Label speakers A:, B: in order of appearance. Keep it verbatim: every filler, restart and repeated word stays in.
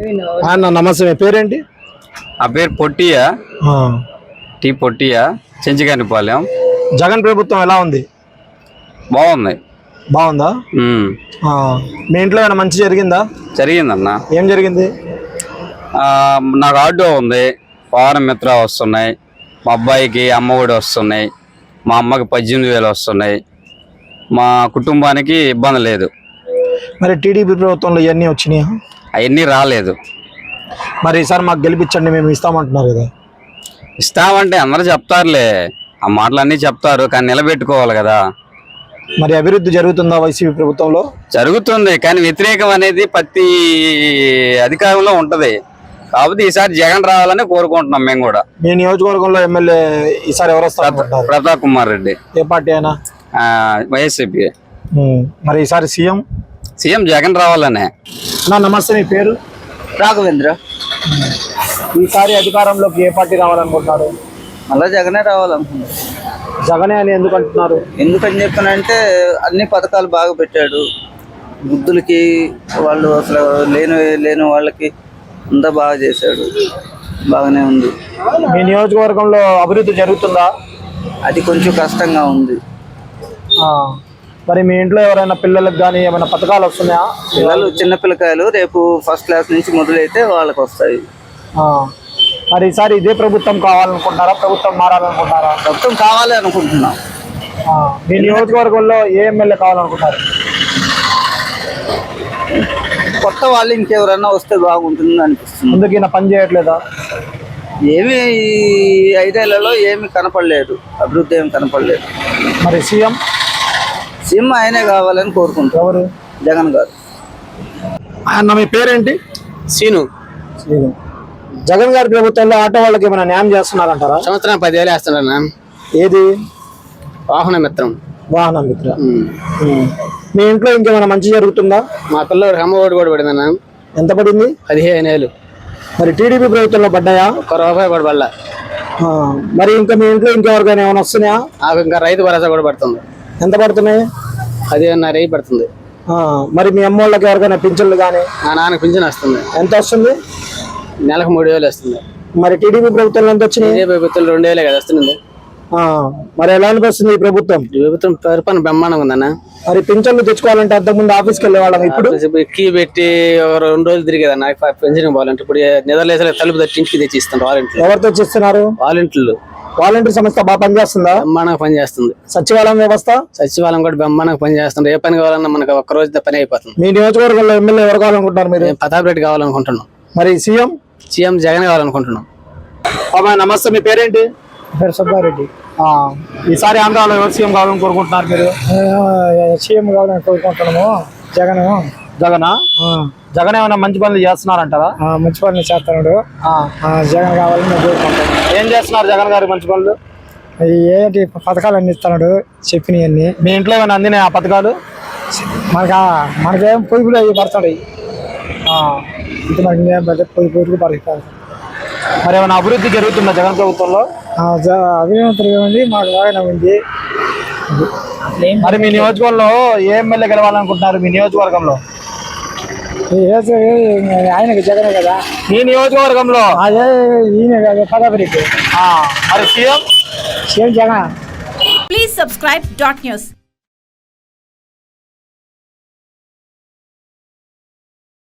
A: అన్న నమస్తే, మీ పేరేంటి?
B: ఆ పేరు పొట్టియా, టీ పొట్టియా, చెంచిగానిపాలెం.
A: జగన్ ప్రభుత్వం ఎలా ఉంది?
B: బాగుంది.
A: బాగుందా? మీ ఇంట్లో ఏమైనా మంచి జరిగిందా?
B: జరిగిందన్న.
A: ఏం జరిగింది?
B: నాకు ఆటో ఉంది, వాహన మిత్ర వస్తున్నాయి, మా అబ్బాయికి అమ్మఒడి వస్తున్నాయి, మా అమ్మకి పద్దెనిమిది వేలు వస్తున్నాయి, మా కుటుంబానికి ఇబ్బంది లేదు.
A: మరి టీడీపీ ప్రభుత్వంలో ఇవన్నీ వచ్చినాయా?
B: అవన్నీ రాలేదు.
A: మరి ఈసారి మాకు గెలిపించండి మేము ఇస్తామంటున్నారు కదా.
B: ఇస్తామంటే అందరూ చెప్తారులే, ఆ మాటలన్నీ చెప్తారు, కానీ నిలబెట్టుకోవాలి కదా.
A: మరి అభివృద్ధి జరుగుతుందా వైసీపీ ప్రభుత్వంలో?
B: జరుగుతుంది, కానీ వ్యతిరేకం అనేది ప్రతి అధికారంలో ఉంటది. కాకపోతే ఈసారి జగన్ రావాలని కోరుకుంటున్నాం మేము కూడా.
A: మీ నియోజకవర్గంలో ఎమ్మెల్యే ఈసారి ఎవరు వస్తారు?
B: ప్రతాప్ కుమార్ రెడ్డి.
A: ఏ పార్టీ అయినా?
B: వైఎస్పీ.
A: మరి ఈసారి సీఎం?
B: సీఎం జగన్ రావాలనే.
A: నా నమస్తే, మీ పేరు?
C: రాఘవేంద్ర.
A: ఈసారి అధికారంలోకి ఏ పార్టీ రావాలనుకుంటున్నారు?
C: మళ్ళా జగనే రావాలనుకుంటున్నారు.
A: జగనే అని ఎందుకు అంటున్నారు?
C: ఎందుకని చెప్పానంటే అన్ని పథకాలు బాగా పెట్టాడు. వృద్ధులకి, వాళ్ళు అసలు లేని లేని వాళ్ళకి అంతా బాగా చేశాడు, బాగానే ఉంది.
A: మీ నియోజకవర్గంలో అభివృద్ధి జరుగుతుందా?
C: అది కొంచెం కష్టంగా ఉంది.
A: మరి మీ ఇంట్లో ఎవరైనా పిల్లలకు కానీ ఏమైనా పథకాలు వస్తున్నాయా?
C: పిల్లలు చిన్న పిల్లకాయలు రేపు ఫస్ట్ క్లాస్ నుంచి మొదలైతే వాళ్ళకి వస్తాయి.
A: మరి ఈసారి ఇదే ప్రభుత్వం కావాలనుకుంటారా, ప్రభుత్వం మారాలనుకుంటారా?
C: ప్రభుత్వం కావాలి అనుకుంటున్నాం.
A: మీ నియోజకవర్గంలో ఏ ఎమ్మెల్యే కావాలనుకుంటారు?
C: కొత్త వాళ్ళు ఇంకెవరన్నా వస్తే బాగుంటుంది అనిపిస్తుంది.
A: ముందుకు ఈయన పని చేయట్లేదా?
C: ఏమి ఈ ఐదేళ్లలో ఏమి కనపడలేదు, అభివృద్ధి ఏమి కనపడలేదు.
A: మరి సీఎం?
C: సీఎం ఆయనే కావాలని కోరుకుంటారు.
A: ఎవరు?
C: జగన్ గారు.
A: అన్న మీ పేరేంటి?
D: సీను.
A: సీను. జగన్ గారి ప్రభుత్వంలో ఆటో వాళ్ళకి ఏమైనా న్యాయం చేస్తున్నారంటారా?
D: సంవత్సరం పదివేలు వేస్తున్నా.
A: ఏది?
D: వాహన మిత్రం.
A: వాహన మిత్ర. మీ ఇంట్లో ఇంకేమైనా మంచి జరుగుతుందా?
D: మా పిల్లడికి అమ్మ ఒడి కూడా పడిందన్నా.
A: ఎంత పడింది?
D: పదిహేను వేలు.
A: మరి టీడీపీ ప్రభుత్వంలో పడ్డాయా?
D: ఒక్క రూపాయి కూడా పడలా.
A: మరి ఇంకా మీ ఇంట్లో ఇంకెవరికైనా ఏమైనా వస్తున్నాయా?
D: నాకు ఇంకా రైతు భరోసా కూడా పడుతుంది.
A: ఎంత పడుతున్నాయి?
D: పదిహేనున్నర వెయ్యి పడుతుంది.
A: మరి మీ అమ్మ వాళ్ళకి ఎవరికైనా పింఛన్లు కానీ?
D: నా నాన్నకి పింఛన్ వస్తుంది.
A: ఎంత వస్తుంది?
D: నెలకు మూడు వేలు వస్తుంది.
A: మరి టీడీపీ ప్రభుత్వంలో ఎంత వచ్చినాయి?
D: టీడీపీ ప్రభుత్వం రెండు వేలే కదా వస్తుంది.
A: మరి ఎలా అనిపిస్తుంది ఈ ప్రభుత్వం?
D: ఈ ప్రభుత్వం పరిపాలన బ్రహ్మాండంగా ఉందన్న.
A: మరి పింఛన్లు తెచ్చుకోవాలంటే అంతకుముందు ఆఫీస్కి వెళ్ళే వాళ్ళం, ఇప్పుడు
D: కీ పెట్టి ఒక రెండు రోజులు తిరిగేదన్న పెన్షన్ పోవాలంటే. ఇప్పుడు నిద్రలేసే తలుపు తట్టి ఇంటికి తెచ్చి ఇస్తాను. వాలంటీర్లు.
A: ఎవరు తెచ్చిస్తున్నారు?
D: వాలంటీర్లు.
A: వాలంటీర్ సంస్థ బాగా పనిచేస్తుందా?
D: బ్రహ్మాండంగా పనిచేస్తుంది.
A: సచివాలయం వ్యవస్థ?
D: సచివాలయం కూడా బ్రహ్మాండంగా పనిచేస్తుంది. ఏ పని కావాలన్నా మనకు ఒక్క రోజు పని అయిపోతుంది.
A: మీ నియోజకవర్గంలో ఎమ్మెల్యే ఎవరు కావాలనుకుంటున్నారు మీరు?
D: ప్రతాప్ రెడ్డి కావాలనుకుంటున్నాం.
A: మరి సీఎం?
D: సీఎం జగన్ కావాలనుకుంటున్నాం.
A: బాబాయ్ నమస్తే, మీ పేరేంటి?
E: పేరు సుబ్బారెడ్డి.
A: ఈసారి ఆంధ్రాలో ఎవరు సీఎం కావాలని కోరుకుంటున్నారు మీరు?
E: సీఎం కావాలని కోరుకుంటున్నాము. జగన్.
A: జగనా? జగన్ ఏమైనా మంచి పనులు చేస్తున్నారంటారా?
E: మంచి పనులు చేస్తున్నాడు. జగన్ కావాలని మేము కోరుకుంటాం.
A: ఏం చేస్తున్నారు జగన్ గారు మంచి పనులు?
E: ఏంటి పథకాలు అన్ని ఇస్తున్నాడు చెప్పినవన్నీ.
A: మీ ఇంట్లో ఏమైనా అందినాయి ఆ పథకాలు?
E: మనకి మనకేం పొదుపులు అవి పడుతున్నాయి. ఇది మనకి పొదుపు పొదుపు పడుతుంది.
A: మరి ఏమైనా అభివృద్ధి జరుగుతుందా జగన్ ప్రభుత్వంలో?
E: అభివృద్ధి ఏముంది, మాకు బాగానే ఉంది.
A: మరి మీ నియోజకవర్గంలో ఏ ఎమ్మెల్యే గెలవాలనుకుంటున్నారు? మీ నియోజకవర్గంలో
E: ఆయనకి జగనే కదా.
A: మీ నియోజకవర్గంలో
E: అదే ఈయన కదా ప్రతాప్ రెడ్డి.
A: మరి CM?
E: CM Jagan.
F: Please subscribe dot news.